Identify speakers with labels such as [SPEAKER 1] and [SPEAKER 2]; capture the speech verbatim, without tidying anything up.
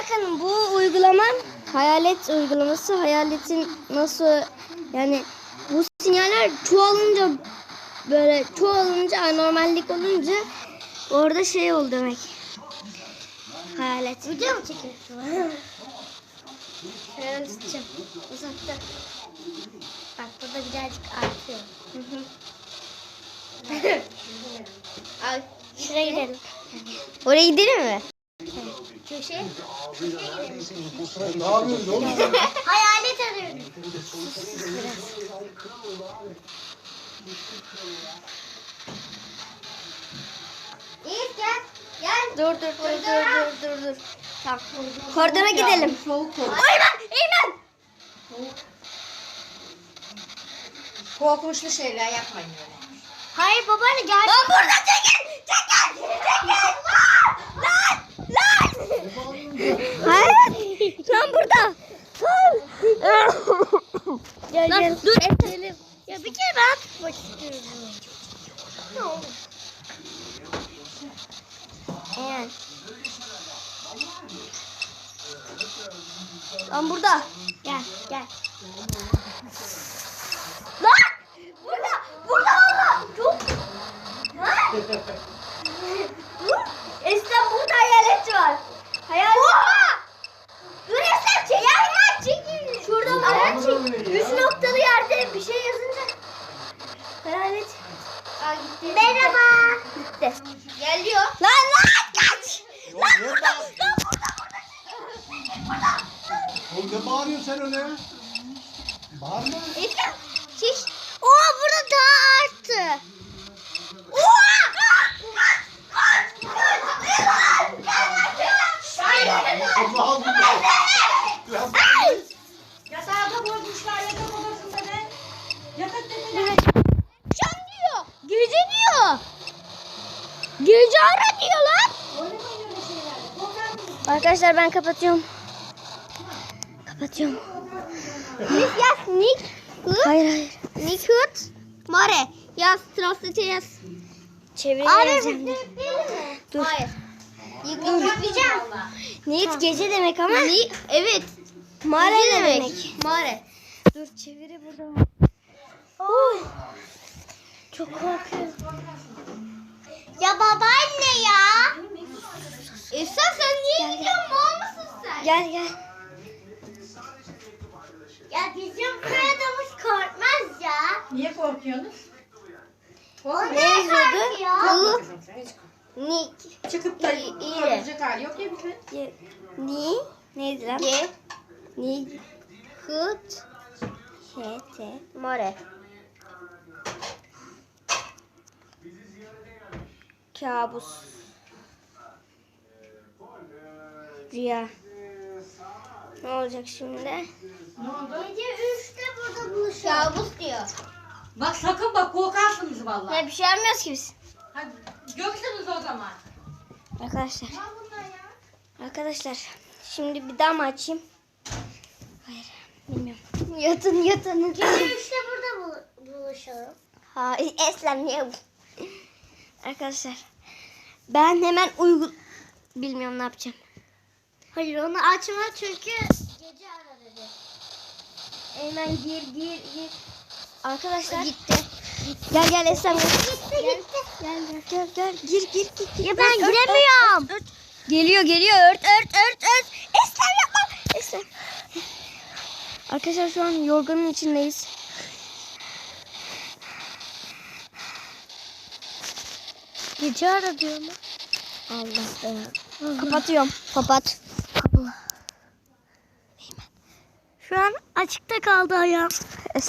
[SPEAKER 1] bakın bu uygulamam hayalet uygulaması. Hayaletin nasıl yani bu sinyaller çoğalınca böyle çoğalınca anormallik olunca orada şey oldu demek. Hayalet. Video mu çekiyorsun? Şöyle tutacağım. Uzakta. Bak burada birazcık artıyor. Hı hı. Ay, şuraya gidelim. Oraya gidelim mi? Köşeye.
[SPEAKER 2] Ne yapıyorsun oğlum?
[SPEAKER 1] Hayalet arıyorum. İyi gel. Gel. Dur dur dur dur dur dur dur. Tamam. Koridora gidelim. Eymen! Eymen!
[SPEAKER 3] Korkunçlu şeyler yapmayın öyle.
[SPEAKER 1] Hayır babaanne gel. Lan burada çekil! Çekil! Çekil! Lan! Lan! Hayır! Lan burada! Gel lan, gel. Dur etelim. Ya bir kere ben tutmak istiyorum. Ne olur? Eğer. Lan burada. Gel gel. Lan! Burada! Burada valla! Çok... Ha? Dur! Eslem burada hayalet var. Hayalet var. Dur Eslem çekil. Ya çekil. Şurada var. Üç noktalı yerde bir şey yazınca. Hayalet. Aa gitti. Merhaba. Gitti. Geliyor. Lan lan kaç. Lan burada. Lan burada burada. Burada.
[SPEAKER 2] Oğlum ne bağırıyorsun sen öyle? Bağırma.
[SPEAKER 1] Eslem. Şiş. Oha burada daha arttı. Oha.
[SPEAKER 2] Allah Allah.
[SPEAKER 3] Yatağa da koymuşlar yatak odasında ne? Yatak dediler.
[SPEAKER 1] Akşam diyor. Gece diyor. Gece ara diyor lan.
[SPEAKER 3] Oynamayın öyle şeylerle. Korkar mısın?
[SPEAKER 1] Arkadaşlar ben kapatıyorum. Kapatıyorum. Nick yaz Nick. Hayır hayır. Nick Hut. Mare. Yaz. Translate yaz. Çevireceğim. Dur. Hayır. Yıkayacağım. Nick gece demek ama. Nick evet. Mare demek. demek. Mare. Dur çeviri burada. Oy. Çok korkuyorum. Ya babaanne ya. Esra sen niye gidiyorsun? Mal mısın sen? Gel gel. Ya bizim köyadamız korkmaz ya.
[SPEAKER 3] Niye korkuyorsunuz?
[SPEAKER 1] O ne yazıyordu? Bu. Nick.
[SPEAKER 3] Çıkıp da
[SPEAKER 1] İyi, iyi.
[SPEAKER 3] korkacak hali yok ya bizim.
[SPEAKER 1] Ni. Neydi lan? Ge. Ni. Hut. H. T. More. Kabus. Rüya. Ne olacak şimdi?
[SPEAKER 3] Ne oldu?
[SPEAKER 1] Gece üçte burada buluşuyor. Kabus diyor.
[SPEAKER 3] Bak sakın bak korkarsınız vallahi.
[SPEAKER 1] Ya bir şey yapmıyoruz ki biz.
[SPEAKER 3] Hadi göksünüz o zaman.
[SPEAKER 1] Arkadaşlar.
[SPEAKER 3] Ne bunlar ya?
[SPEAKER 1] Arkadaşlar. Şimdi bir daha mı açayım? Hayır. Bilmiyorum. Yatın yatın. Gece üçte burada buluşalım. Hayır. Eslem niye bu? Arkadaşlar. Ben hemen uygun... Bilmiyorum ne yapacağım. Hayır onu açma çünkü gece ara dedi. Hemen gir gir gir. Arkadaşlar. Gitti. Gel gel Eslem. Gitti gitti. Gel, gitti. Gel gel gel gel. Gir gir gir. Ya ben ört, giremiyorum. Ört, ört. Geliyor geliyor. Ört ört ört ört. Eslem yapma. Eslem. Arkadaşlar şu an yorganın içindeyiz. Gece ara diyor mu? Allah be. Kapatıyorum. Kapat. Allah. Şu an açıkta kaldı ayağım.